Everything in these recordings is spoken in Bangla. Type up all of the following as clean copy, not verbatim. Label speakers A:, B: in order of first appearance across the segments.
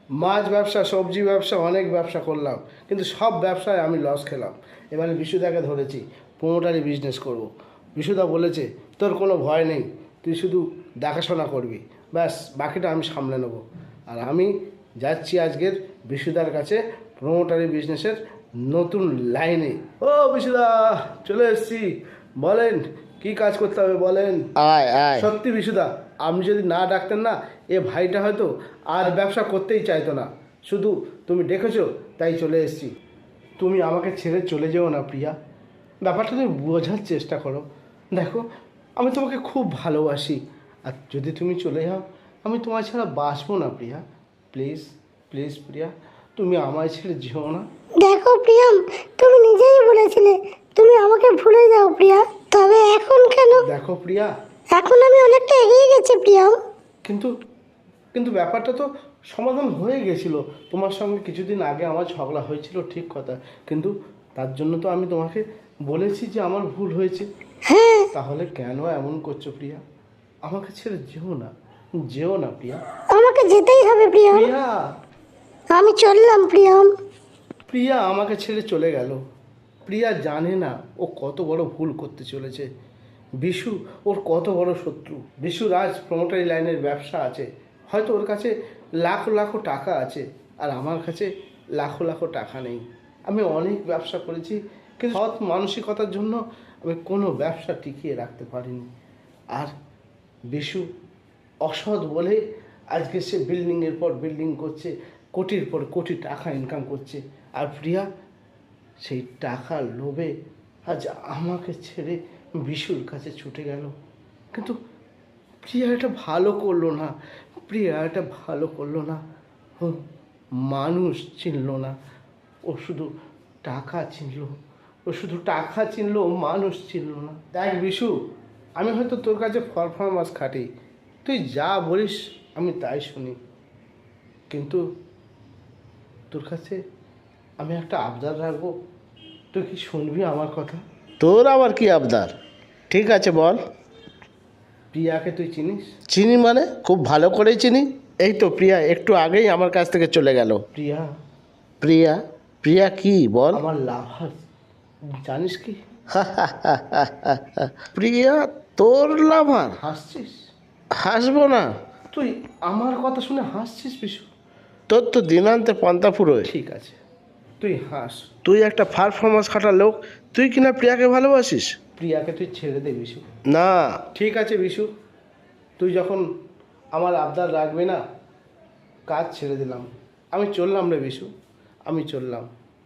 A: মাছ ব্যবসা, সবজি ব্যবসা, অনেক ব্যবসা করলাম, কিন্তু সব ব্যবসায় আমি লস খেলাম। এবারে বিশুদাকে ধরেছি, প্রোমোটারি বিজনেস করব। বিশুদা বলেছে তোর কোনো ভয় নেই, তুই শুধু দেখাশোনা করবি, ব্যাস বাকিটা আমি সামলে নেব। আর আমি যাচ্ছি আজকের বিশুদার কাছে প্রোমোটারি বিজনেসের নতুন লাইনে। ও বিশুদা, চলে এসেছি, বলেন কি কাজ করতে হবে বলেন।
B: আয় আয়।
A: সত্যি বিশুদা, আপনি যদি না ডাকতেন না, এ ভাইটা হয়তো আর ব্যবসা করতেই চাইতো না। শুধু তুমি ডেকেছো তাই চলে এসেছি। তুমি আমাকে ছেড়ে চলে যেও না প্রিয়া, ব্যাপারটা তুমি বোঝার চেষ্টা করো। দেখো, আমি তোমাকে খুব ভালোবাসি, আর যদি তুমি চলে যাও আমি তোমার ছাড়া বাঁচবো না প্রিয়া। প্লিজ প্লিজ প্রিয়া, তুমি আমায় ছেড়ে যেও না।
C: দেখো প্রিয়াম, তুমি নিজেই বলেছিলে তুমি আমাকে ভুলে যাও প্রিয়া, তবে এখন কেন?
A: দেখো প্রিয়া,
C: এখন আমি অনেকটা এগিয়ে গেছি প্রিয়াম।
A: কিন্তু কিন্তু ব্যাপারটা তো সমাধান হয়ে গেছিল। তোমার সঙ্গে কিছুদিন আগে আমার ঝগড়া হয়েছিল, ঠিক কথা, কিন্তু তার জন্য তো আমি তোমাকে বলেছি যে আমার ভুল হয়েছে।
C: হ্যাঁ,
A: তাহলে কেন এমন করছো প্রিয়া? আমাকে ছেড়ে যেও না, যেও না প্রিয়া।
C: আমাকে যেতেই হবে প্রিয়াম।
A: প্রিয়া,
C: আমি চললাম প্রিয়াম।
A: প্রিয়া আমাকে ছেড়ে চলে গেল। প্রিয়া জানে না ও কত বড় ভুল করতে চলেছে। বিশু ওর কত বড় শত্রু। বিশু রাজ প্রমোটারি লাইনের ব্যবসা আছে, হয়তো ওর কাছে লাখো লাখো টাকা আছে, আর আমার কাছে লাখো লাখো টাকা নেই। আমি অনেক ব্যবসা করেছি, কিন্তু সৎ মানসিকতার জন্য আমি কোনো ব্যবসা টিকিয়ে রাখতে পারিনি। আর বিশু অসৎ বলে আজকে সে বিল্ডিংয়ের পর বিল্ডিং করছে, কোটির পর কোটি টাকা ইনকাম করছে। আর প্রিয়া সেই টাকার লোভে আজ আমাকে ছেড়ে বিশুর কাছে ছুটে গেল। কিন্তু প্রিয়া এটা ভালো করলো না, প্রিয়া এটা ভালো করলো না। ও মানুষ চিনল না, ও শুধু টাকা চিনল। ও শুধু টাকা চিনলো, মানুষ চিনল না। দেখ বিশু, আমি হয়তো তোর কাছে পারফরমেন্স খাটি, তুই যা বলিস আমি তাই শুনি, কিন্তু তোর কাছে আমি একটা আবদার রাখবো, তুই কি শুনবি আমার কথা?
B: তোর আবার কি আবদার? ঠিক আছে বল।
A: প্রিয়াকে তুই চিনিস?
B: চিনি মানে খুব ভালো করেই চিনি। এই তো প্রিয়া একটু আগেই আমার কাছ থেকে চলে গেল।
A: প্রিয়া
B: প্রিয়া? প্রিয়া কি বল?
A: আমার লাভার, জানিস কি?
B: প্রিয়া তোর লাভার?
A: হাসছিস?
B: হাসবো না।
A: তুই আমার কথা শুনে হাসছিস বিশু?
B: তোর তো দিনান্তে পন্থা ফুরোয়।
A: ঠিক আছে, তুই হাস।
B: তুই একটা পারফরমেন্স খাটার লোক, তুই কিনা প্রিয়াকে ভালোবাসিস?
A: প্রিয়াকে তুই ছেড়ে দে বিশু।
B: না।
A: ঠিক আছে বিশু, তুই যখন আমার আবদার রাখবি না, কাজ ছেড়ে দিলাম, আমি চললাম রে বিশু, আমি চললাম।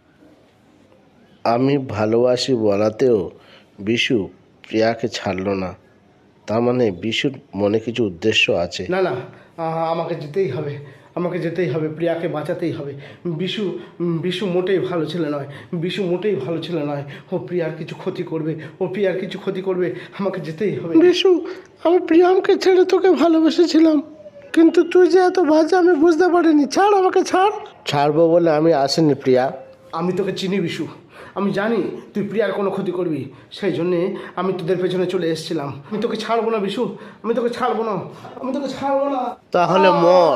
B: আমি ভালোবাসি বলাতেও বিশু প্রিয়াকে ছাড়লো না, তার মানে বিশুর মনে কিছু উদ্দেশ্য আছে।
A: না না, আমাকে যেতেই হবে, আমাকে যেতেই হবে, প্রিয়াকে বাঁচাতেই হবে। বিশু বিশু মোটেই ভালো ছেলে নয়, বিশু মোটেই ভালো ছেলে নয়। ও প্রিয়ার কিছু ক্ষতি করবে, ও প্রিয়ার কিছু ক্ষতি করবে, আমাকে যেতেই হবে।
B: বিশু, আমি প্রিয়ামকে ছেড়ে তোকে ভালোবেসেছিলাম, কিন্তু তুই যে এত বাজে আমি বুঝতে পারিনি। ছাড় আমাকে, ছাড়। ছাড়বো বলে আমি আসিনি প্রিয়া।
A: আমি তোকে চিনি বিশু, আমি জানি তুই প্রিয়ার কোনো ক্ষতি করবি, সেই জন্যে আমি তোদের পেছনে চলে এসেছিলাম। আমি তোকে ছাড়বো না বিশু, আমি তোকে ছাড়বো না, আমি তোকে ছাড়বো না।
B: তাহলে মর।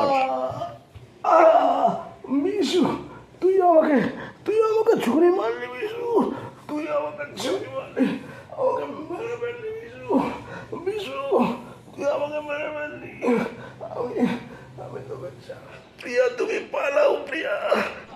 A: বিশু, তুই আমাকে ছুরি মারলি বিশু, তুই আমাকে ছুরি মারলি, আমাকে মেরে ফেললি বিশু। বিশু, তুই আমাকে মেরে ফেললি। আমি আমি তোকে প্রিয়া, তুমি পালাও প্রিয়া।